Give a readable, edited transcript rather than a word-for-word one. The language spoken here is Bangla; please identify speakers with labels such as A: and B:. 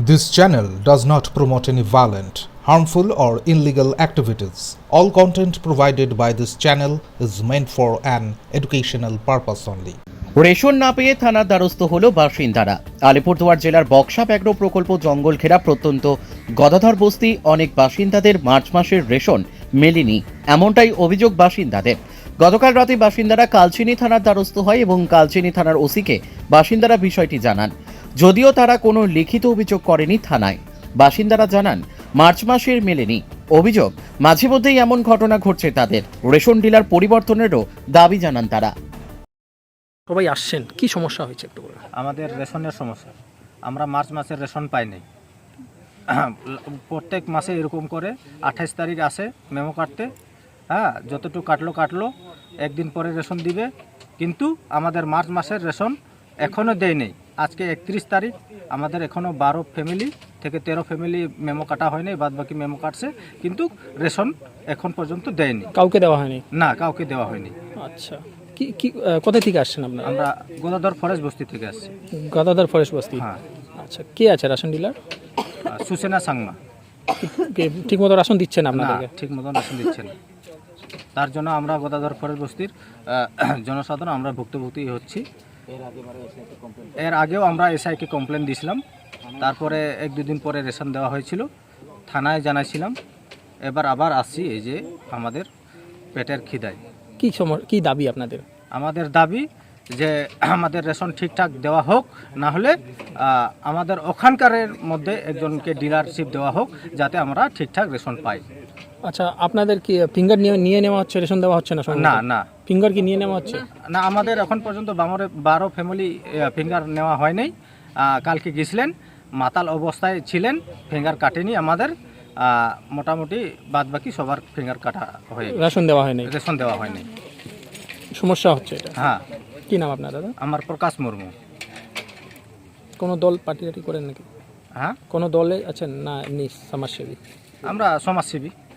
A: This channel does not promote any violent, harmful, or illegal activities. All content provided by this channel is meant for an educational purpose only.
B: Ration না পেয়ে থানার দ্বারস্থ হল বাসিন্দারা। আলিপুরদুয়ার জেলার বক্সা ব্যাঘ্র প্রকল্প জঙ্গল ঘেরা প্রত্যন্ত গদাধর বস্তি অনেক বাসিন্দাদের মার্চ মাসের রেশন মেলেনি, এমনটাই অভিযোগ বাসিন্দাদের। গতকাল রাতে বাসিন্দারা কালচিনি থানার দ্বারস্থ হয় এবং কালচিনি থানার ওসিকে বাসিন্দারা বিষয়টি জানান। যদিও তারা কোনো লিখিত অভিযোগ করেনি থানায়। বাসিন্দারা জানান মার্চ মাসের মেলেনি। অভিযোগ মাঝে মধ্যেই এমন ঘটনা ঘটছে তাদের। রেশন ডিলার পরিবর্তনেরও দাবি জানান তারা।
C: সবাই আসছেন, কি সমস্যা হয়েছে একটু বলুন।
D: আমাদের রেশনের সমস্যা, আমরা মার্চ মাসের রেশন পাই নাই। প্রত্যেক মাসে এরকম করে 28 তারিখ আসে মেমো কাটতে, হ্যাঁ, যতটুকু কাটলো একদিন পরে রেশন দিবে, কিন্তু আমাদের মার্চ মাসের রেশন এখনও দেয় নেই। আজকে 31 তারিখ, আমাদের এখনও 12 ফ্যামিলি থেকে 13 ফ্যামিলি মেমো কাটা হয়নি, বাদ বাকি মেমো কাটছে, কিন্তু রেশন এখন পর্যন্ত দেয়নি।
C: কাউকে দেওয়া হয়নি?
D: না, কাউকে দেওয়া হয়নি।
C: আচ্ছা, কি কোথা থেকে আসছেন আপনারা?
D: আমরা গদাধর ফরেস্ট বস্তি থেকে আসছি।
C: গদাধর ফরেস্ট বস্তি?
D: হ্যাঁ।
C: আচ্ছা, কে আছে রেশন ডিলার?
D: সুসেনা সাংমা।
C: ঠিক মতো রেশন দিচ্ছেন
D: না,
C: আপনাদেরকে?
D: ঠিক মতো রেশন দিচ্ছে না। তার জন্য আমরা গদাধর ফরেস্ট বস্তির জনসাধারণ আমরা ভুক্তভোগী হচ্ছি। এর আগেও আমরা এসআইকে কমপ্লেন দিয়েছিলাম, তারপরে 1-2 দিন পরে রেশন দেওয়া হয়েছিল, থানায় জানাইছিলাম। এবার আবার আসছি এই যে আমাদের পেটের খিদায়।
C: কি দাবি আপনাদের?
D: আমাদের দাবি যে আমাদের রেশন ঠিকঠাক দেওয়া হোক, না হলে আমাদের ওখানকারের মধ্যে একজনকে ডিলারশিপ দেওয়া হোক, যাতে আমরা ঠিকঠাক রেশন পাই।
C: আচ্ছা, আপনাদের কি ফিঙ্গার নিয়ে নেওয়া হচ্ছে, রেশন দেওয়া হচ্ছে না?
D: না,
C: ফিঙ্গার কি নিয়ে নেওয়া হচ্ছে
D: না, আমাদের এখন পর্যন্ত 12 ফ্যামিলি ফিঙ্গার নেওয়া হয় নাই। কালকে গেছিলেন, মাতাল অবস্থায় ছিলেন, ফিঙ্গার কাটেনি আমাদের। মোটামুটি বাদ বাকি সবার ফিঙ্গার কাটা হয়ে
C: রেশন দেওয়া হয়নি?
D: রেশন দেওয়া হয়নি।
C: সমস্যা হচ্ছে এটা?
D: হ্যাঁ।
C: কি নাম আপনার দাদা?
D: আমার প্রকাশ মুর্মু।
C: কোনো দল পার্টি করেন নাকি?
D: হ্যাঁ,
C: কোনো দলে আছেন না এমনি সমাজসেবী?
D: আমরা সমাজসেবী।